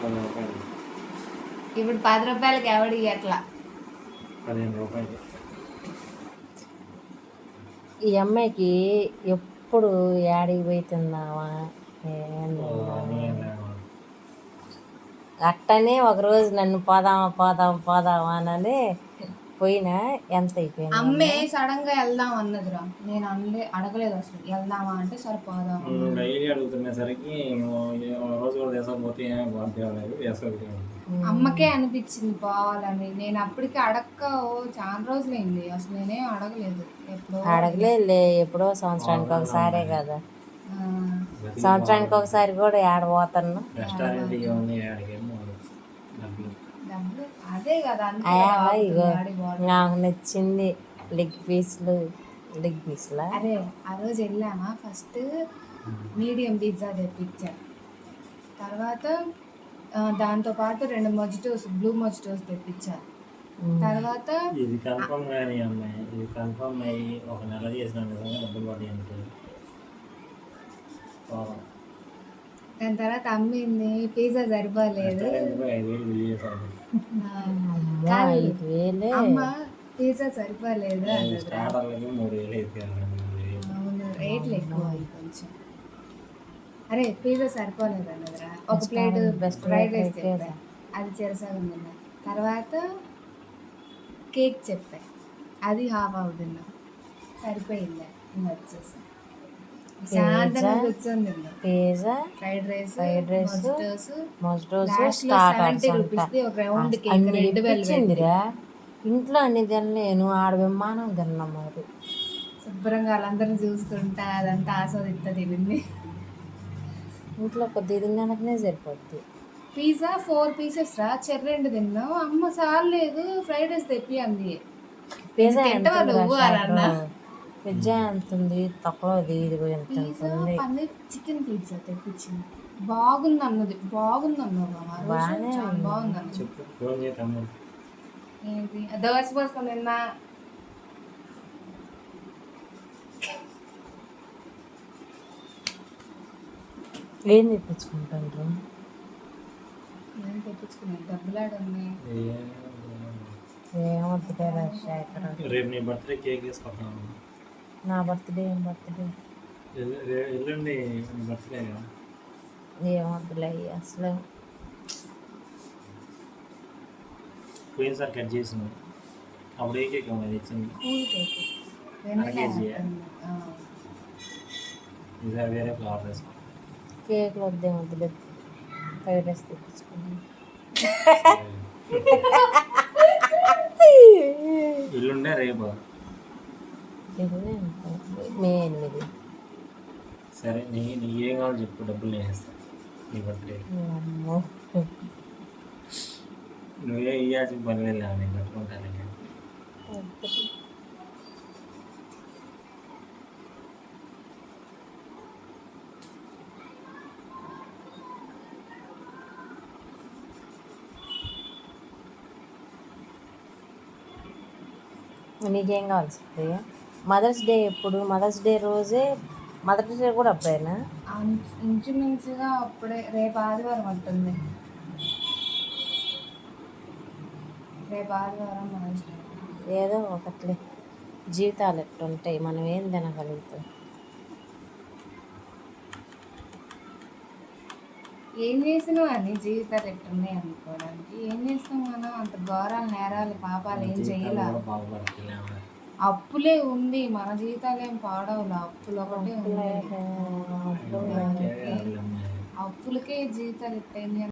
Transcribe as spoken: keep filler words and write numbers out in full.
ఇప్పుడు పది రూపాయలకి ఎవడి ఎట్లా పదిహేను రూపాయలు. ఈ అమ్మాయికి ఎప్పుడు యాడికి పోతున్నావా అట్టనే ఒకరోజు నన్ను పోదామా పోదామా పోదామా అని పోయినా ఎంత అయిపోయింది. అమ్మే సడన్ గా వెళ్దాం అన్నదిరా, నేను అనలే అడగలేదు అసలు. వెళ్దామా అంటే సరిపోదాం. డైలీ అడుగుతున్నసరికి రోజు కూడా వేసకపోతే వేసుకోలేదు. అమ్మకే అనిపించింది పోవాలని. నేను అప్పటికి అడక్క ఓ చాలా రోజులైంది అసలు, నేనేం అడగలేదు. ఎప్పుడో అడగలేదు, ఎప్పుడో సంవత్సరానికి ఒకసారే కదా. సంవత్సరానికి ఒకసారి కూడా ఏడ పోతాను. అదే కదా ఇగో నాకు నచ్చింది లెగ్ పీస్లు. లెగ్ పీస్లా అరే ఆ రోజు వెళ్ళామా, ఫస్ట్ మీడియం పిజ్జా తెప్పించా, తర్వాత దాంతో పాటు రెండు మొజిటోస్ బ్లూ మొజిటోస్ తెప్పించా, తర్వాత ఇది కన్ఫర్మ్ కానీ అమ్మాయి ఇది కన్ఫర్మ్ అయ్యి ఒక నెల చేసిన డబ్బులు పడి అంటే దాని తర్వాత అమ్మింది పిజ్జా సరిపోలేదు. అమ్మ పిజ్జా సరిపోలేదు మూడు వేలు అవును, రేట్లు ఎక్కువ కొంచెం. అరే పిజ్జా సరిపోలేదు అన్నదిరా. ఒక ప్లేట్ ఫ్రైడ్ రైస్ చెప్పా, అది చెరసగం తిన్నా. తర్వాత కేక్ చెప్పా, అది హాఫ్ హాఫ్ తిన్నా. సరిపోయింది. ఇంకా వచ్చేసి శాంతంగా కూర్చొని తిన్నా. Pizza fried rice fried rice mojitos seventy rupees ఒక రౌండ్ కేక్ రెండు వెళ్ళిందిరా. ఇంట్లో అన్ని తినలేను, ఆడ విమానం తిన్నాం. మరి శుభ్రంగా వాళ్ళందరినీ చూస్తుంటా అదంతా ఆస్వాదిస్తా తినింది. ఇంట్లో కొద్ది తినడానికనే సరిపోద్ది. పిజ్జా ఫోర్ పీసెస్ రా, చెర్రి రెండు తిన్నావు. అమ్మ సార్లేదు ఫ్రైడ్ రైస్ తెప్పి అంది. పిజ్జా ఎంత పిజ్జా ఎంత ఉంది తక్కువ. పన్నీర్ చికెన్ పిజ్జా తెప్పించింది, బాగుంది అన్నది. బాగుంది అన్నావు, బాగుంది అన్నది. ఏంటి దోశ పోసుకొని తిన్నా. ఏం తెప్పించుకుంటారు? ఏం తెప్పించుకున్నాను, డబ్బులాడు ఉన్నాయి. ఏమొద్దులే రాజశేఖర్, రేపు నీ బర్త్డే కేక్ తీసుకొస్తాను. నా బర్త్డే ఏం బర్త్డే ఎల్లుండి బర్త్డే కదా. ఏమొద్దులే అసలు. పోయినసారి కట్ చేసిన అప్పుడు ఏ కేక్ అమ్మది ఇచ్చింది? ఈసారి వేరే ఫ్లవర్ వేసుకో. కేక్లు వద్దే వద్దులే, ఫ్రైడ్ రైస్ తెప్పించుకున్నాను. ఇల్లుండే రేపు మే ఎనిమిది. సరే నీ నీ ఏం కావాలో చెప్పు, డబ్బులు నేను ఇస్తాను నీ బర్త్డే. నువ్వే ఇవ్వాల్సిన పని వెళ్ళా, నేను కట్టుకుంటాను. నీకేం కావాలి సుప్రియ? మదర్స్ డే ఎప్పుడు? మదర్స్ డే రోజే. మదర్స్ డే కూడా అప్పుడేనా? ఇంచుమించుగా అప్పుడే. రేపు ఆదివారం ఉంటుంది, రేపు ఆదివారం మదర్స్ డే. ఏదో ఒకట్లే, జీవితాలు ఎట్లుంటాయి, మనం ఏం తినగలుగుతాం. ఏం చేసినావు అని జీవితాలు ఎట్టున్నాయి అనుకోవడానికి. ఏం చేసినాం మనం? అంత ఘోరాలు నేరాలు పాపాలు ఏం చెయ్యాలి. అప్పులే ఉంది, మన జీవితాలు ఏం పాడవులు. అప్పులు ఒకటే ఉంది, అప్పులకే జీవితాలు ఎట్టయింది.